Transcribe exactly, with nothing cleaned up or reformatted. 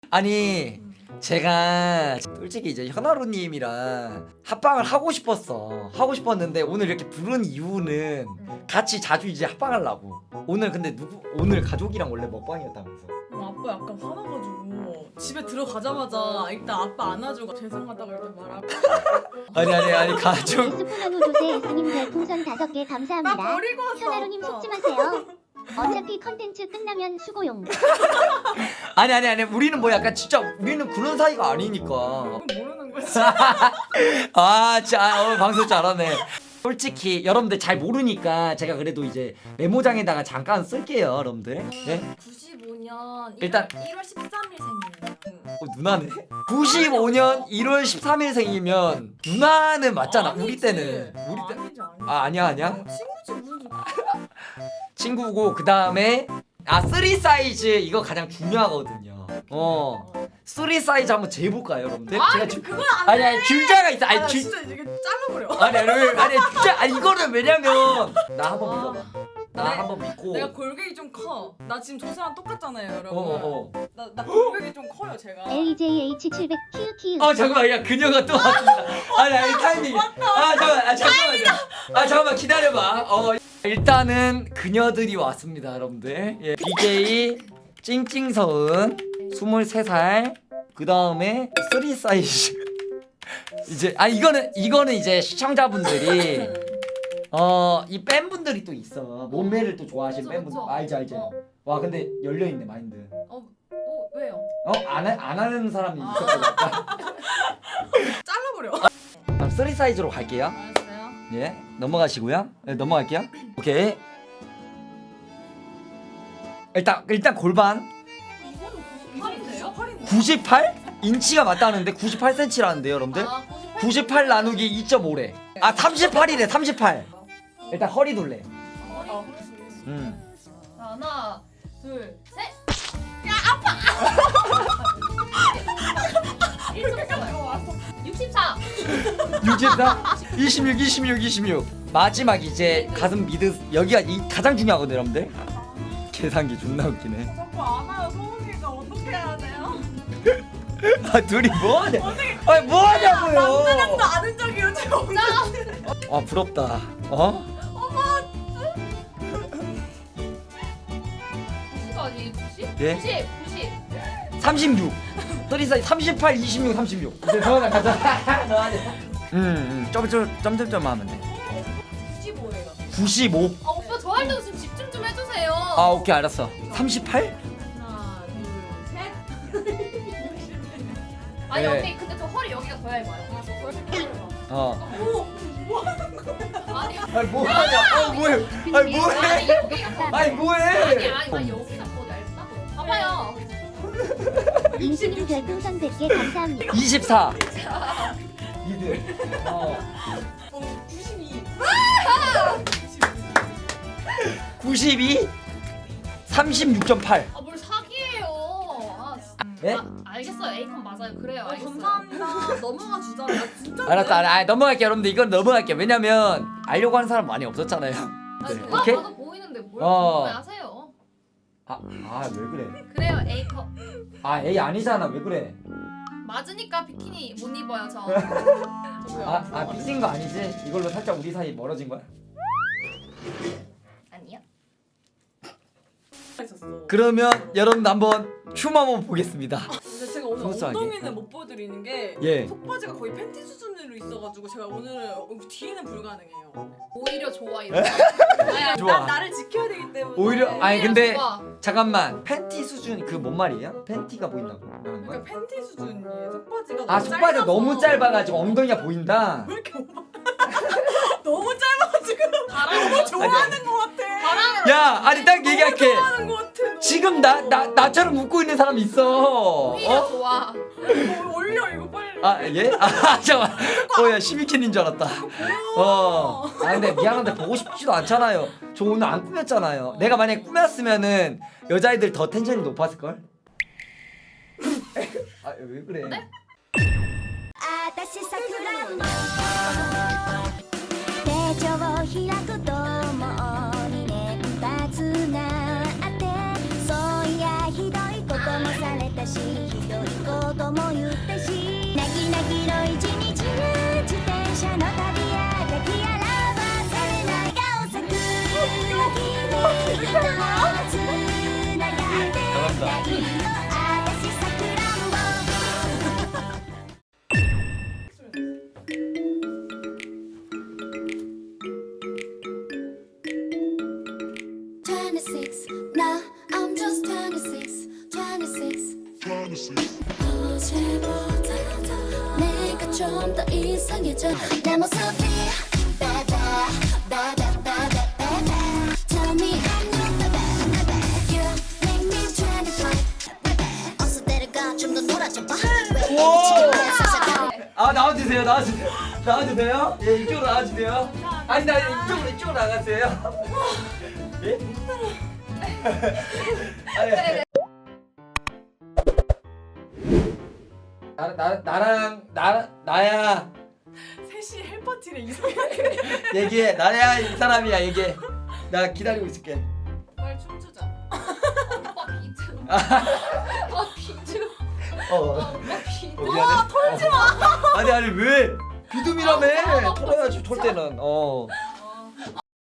아니 제가 솔직히 이제 현아루님이랑 합방을 하고 싶었어 하고 싶었는데 오늘 이렇게 부른 이유는 같이 자주 이제 합방하려고. 오늘 근데 누구 오늘 가족이랑 원래 먹방이었다면서. 어, 아빠 약간 화나가지고 집에 들어가자마자 일단 아빠 안아주고 죄송하다고 이렇게 말하고. 아니 아니 아니 가족. 에스푸나노 조세 에스님 별풍선 다섯 개 나 감사합니다. 버리고 왔어. 현아루님 아빠. 속지 마세요. 어차피 컨텐츠 끝나면 수고용. 아니 아니 아니 우리는 뭐 약간 진짜 우리는 그런 사이가 아니니까. 그건 모르는 거지. 아 진짜 어, 방송 잘하네. 솔직히 여러분들 잘 모르니까 제가 그래도 이제 메모장에다가 잠깐 쓸게요 여러분들. 예? 구십오 년 일단- 일월 십삼일 생이에요. 어, 누나네? 구십오 년 일월 십삼일 생이면 누나는 맞잖아. 우리 때는 우리 때. 아니지 아니지. 아 아니야 아니야. 어, 친구지 무슨. 친구고 그 다음에 아 쓰리 사이즈 이거 가장 중요하거든요. 어 쓰리 사이즈 한번 재볼까요 여러분들? 아 제가 주, 주, 그건 안 아니 돼. 아니 줄자가 있어. 아, 아니 나 줄 진짜 이게 잘라버려. 아니 아니 왜- 아니 진짜 아니 이거는 왜냐면 나 한번 아. 믿어봐. 나 네. 한번 믿고. 내가 골격이 좀 커. 나 지금 조사랑 똑같잖아요, 여러분. 어어 어. 나, 나 골격이 좀 커요, 제가. 에이제이에이치 칠백 키우키우. 어 잠깐만 야 그녀가 또 왔습니다. 아니 아니 타이밍. 아 잠깐 아 잠깐만요. 아 잠깐만 기다려봐. 어 일단은 그녀들이 왔습니다 여러분들. 예. 비제이 찡찡서은 스물세 살. 그 다음에 쓰리 사이즈. 이제 아 이거는 이거는 이제 시청자분들이 어 이 팬분들이 또 있어. 몸매를 또 좋아하시는 그쵸, 팬분들. 그쵸. 알지 알지. 어. 와 근데 열려 있네 마인드. 어, 어, 왜요? 어안 안 하는 사람이 아. 있었거든. 잘라버려. 그럼 쓰리 사이즈로 갈게요. 알았어요. 예 넘어가시고요. 네, 넘어갈게요. 오케이. 일단 일단 골반 이거는 구십팔인데요? 팔인데. 구십팔 인치가 맞다는데 구십팔 센티미터라는데요, 여러분들. 아, 구십팔. 구십팔 나누기 이 점 오래. 아 삼십팔이래 삼십팔. 일단 허리 돌래. 어. 음. 자, 하나, 둘, 셋. 일 점 왔어. 육십사. 육십사, 이십육, 이십육, 이십육. 마지막 이제 가슴 미드 여기가 이 가장 중요하거든요, 여러분들. 계산기 존나 웃기네. 자꾸 안 와요, 소은이가 어떻게 해야 돼요? 아 둘이 뭐하냐? 아니 뭐하냐고요? 남자랑도 아는 적이 요즘 없는. 아 부럽다. 어? 구십가 아니 구십? 예? 구십, 구십. 삼십육. 쓰리 사이즈 삼십팔, 이십육, 삼십육. 이제 서원아 가자. 음, 음. 점점 점점점 하면 돼. 구십오예요. 구십오. 아 오빠 저 할 때 좀 집중 좀 해주세요. 아 오케이 알았어. 삼십팔? 하나, 둘, 셋. 아니 네. 언니 근데 저 허리 여기가 더 얇아요. 아, 저 허리 얇아요. 어. 오, 아니 아니 뭐하냐? 아 뭐해? 아니 아니 뭐해? 여기가 더 아니 아니 뭐해? 아니 아니 여기가 더 얇다고. 봐봐요. 임수님 별풍선 백 개 감사합니다. 이십사. 미드. 어. 어, 구십이. 구십이. 삼십육 점 팔. 아 뭘 사기예요. 아, 진짜. 예? 아, 알겠어요. A컵 맞아요. 그래요. 어, 알겠어요. 감사합니다. 넘어가 주자. 나 진짜. 알았어. 알- 아, 넘어갈게요, 여러분들. 이건 넘어갈게요. 왜냐면 알려고 하는 사람 많이 없었잖아요. 아니 네, 누가 오케이? 봐도 보이는데 뭘 어. 궁금해하세요? 아, 아, 왜 그래? 그래요. A컵. 아, A 아니잖아. 왜 그래? 맞으니까 비키니 못 입어요 저. 아, 아, 삐진 거 아니지? 이걸로 살짝 우리 사이 멀어진 거야? 아니요. 있었어. 그러면 여러분 한번 춤 한번 보겠습니다. 근데 제가 오늘 소소하게. 엉덩이는 못 보여드리는 게 예. 속바지가 거의 팬티 수준으로 있어가지고 제가 오늘 뒤에는 불가능해요. 오히려 좋아 이거. 아야, 좋아. 나, 나를 지켜야 되기 때문에. 오히려 아니 근데 좋아. 잠깐만 팬티 수준 그 뭔 말이에요? 팬티가 보인다고 하는 거야? 그러니까 팬티 수준이에요. 속바지가 아 너무 속바지가 짧아서. 너무 짧아가지고 엉덩이가 보인다. 왜 이렇게 오바? 너무 짧아가지고 바람 너무 좋아하는 것 같아. 바람. 야 아니 딱 얘기할게. 좋아하는 것 같아. 너무. 지금 나 나 나처럼 웃고 있는 사람 있어. 오히려 어? 좋아. 어, 올려 이거 빨리. 아 예? 아 잠깐. 어야 시미킨인 줄 알았다. 어. 아 근데 미안한데 보고 싶지도 않잖아요. 저 오늘 안 꾸몄잖아요. 내가 만약 꾸몄으면은 여자애들 더 텐션이 높았을 걸. 아 왜 그래? 네? 私さくらんぼ手帳を開くともうに連発があってそういやひどいこともされたしひど子供言ったしなぎなぎの一日や自転車の旅や抱きあらばされない顔咲く君とつながってないのあたしさくらんぼtwenty-six, now I'm just twenty-six, twenty-six. 어제보다 더 내가 좀 더 이상해져 내 모습이 baby, baby, baby, baby. Tell me I'm your baby, baby. You make me twenty-five, baby. 어서 데려가 좀 더 놀아줘 봐. 왜 미치게 내 세상을 아 나와주세요 나와주세요 나와주세요 예 이쪽으로 나와주세요 아니 나 이쪽으로 이쪽으로 나가세요 예? 아니 나, 나, 나랑 나, 나야 셋이 헬파티래 이성이. 얘기해 나야 이 사람이야 얘기해 나 기다리고 있을게 빨리 춤추자. 오빠 비트. 오빠 비트. 어, 오빠 비트. 어 미안해 털지 마 아니 아니 왜 비듬이라며 털어야지 털 때는 어